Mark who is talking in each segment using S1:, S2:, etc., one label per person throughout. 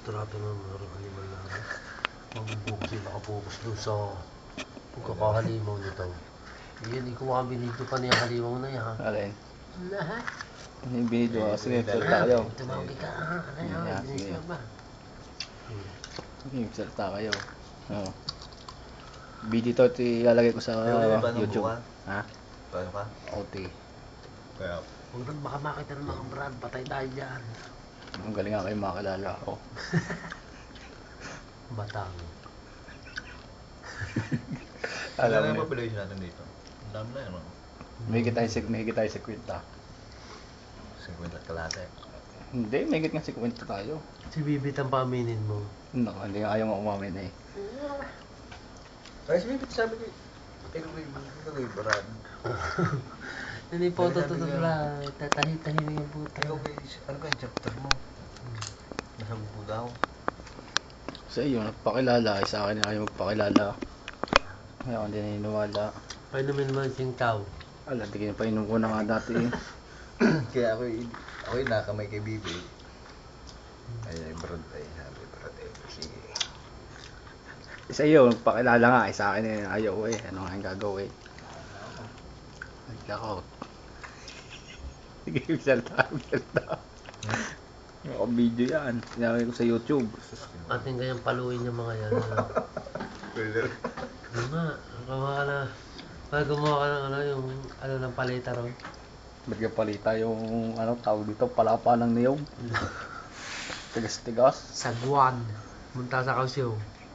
S1: trato ng mga halimaw na mabubukas yung nakapokus doon sa pagkakahalimaw nito. Iyan, ikaw ang binidyo pa niya halimaw na yan.
S2: Alin?
S1: Lahat.
S2: Ano yung binidyo ka? Sige, salita kayo.
S1: Tumawag ka. Ano yan? Binisyo ba?
S2: Sige, salita kayo. Oo. Video to, ilalagay ko sa YouTube. Ha?
S3: Paano ka?
S2: OT.
S3: Kaya,
S1: Huwag nang baka makita ng mga brad, patay tayo dyan.
S2: Ang galing nga kayo makakilala ako.
S1: Batang.
S3: alam mo yung population natin dito? Ang dami na yan, no?
S2: May higit tayo sa kwenta.
S3: 50 kalate.
S2: Hindi, may higit nga sa kwenta tayo.
S1: Si Bibit ang paaminin mo.
S2: Naku, hindi nga ayaw mo umamin eh.
S3: Ay, sabi ko, ikaw kay Brad.
S1: Hindi po tututod lang. Tatahi-tahi yung puta.
S3: Ikaw kay, ano ka yung chapter mo? Nasagpo daw.
S2: Sa iyo, nagpakilala. Sa akin ayaw magpakilala. Kaya ako hindi naniniwala.
S1: Painumin mo yung singkaw.
S2: Ala, di kayo painom ko na nga dati eh.
S3: Kaya ako yung nakamay kay Bibi. Ay, Brad, ay, sabi, Brad, eh, sige.
S2: Sa iyo, nagpakilala nga. Sa akin eh, ayaw eh. Ano nga yung gagawin? Nag-lockout. Sige, salta. Video yan. Sinabi ko sa YouTube.
S1: Ating ganyang paluin yung mga yan.
S3: Brother.
S1: Ano nga, gumawa ka na. Pag gumawa ka ng yung ng paleta ron.
S2: Ba't ka palita yung tawag dito? Palapa ng niyog. Tigas-tigas.
S1: Sagwan. Munta sa Kausyo.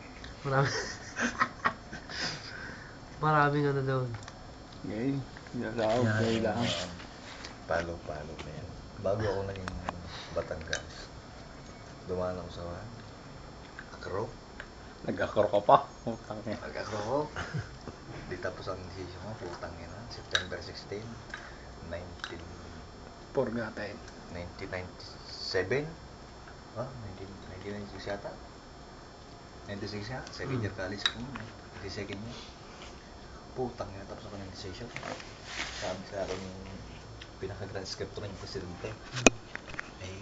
S1: Maraming doon.
S2: Okay. Okay lang.
S3: Palo na yan. Bago ako naging Batangas, dumaan ako sa Akro.
S2: Nag-akro ka pa. Utang niya.
S3: Nag-Akro ako. Di tapos ang decision ko, putang ina. September 16,
S2: Forgotten.
S3: 1997. Ah, 1996 yata. 96 yata. Second year college ko. 92nd year. Putang ina, tapos ako ng decision. Sabi sa akin yung pinaka-grand script ng presidente. Eh,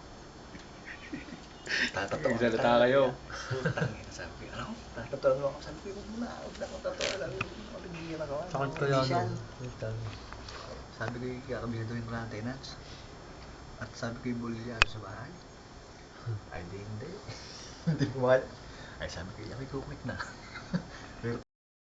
S3: tatatawa ka.
S2: Nagsalita kayo.
S3: Putang ina, sabi ko, ano? Tatatawa ako. Sabi ko, huwag na ako tatawa. Sabi ko, mabigyan ako.
S1: Sakit ko yan.
S3: Sabi ko, kakabinatuhin ko ng tenants. At sabi ko, yung bulilyado sa bahay. Ay, hindi. Hindi pumayag. Ay, sabi ko, yabi ko, quick na.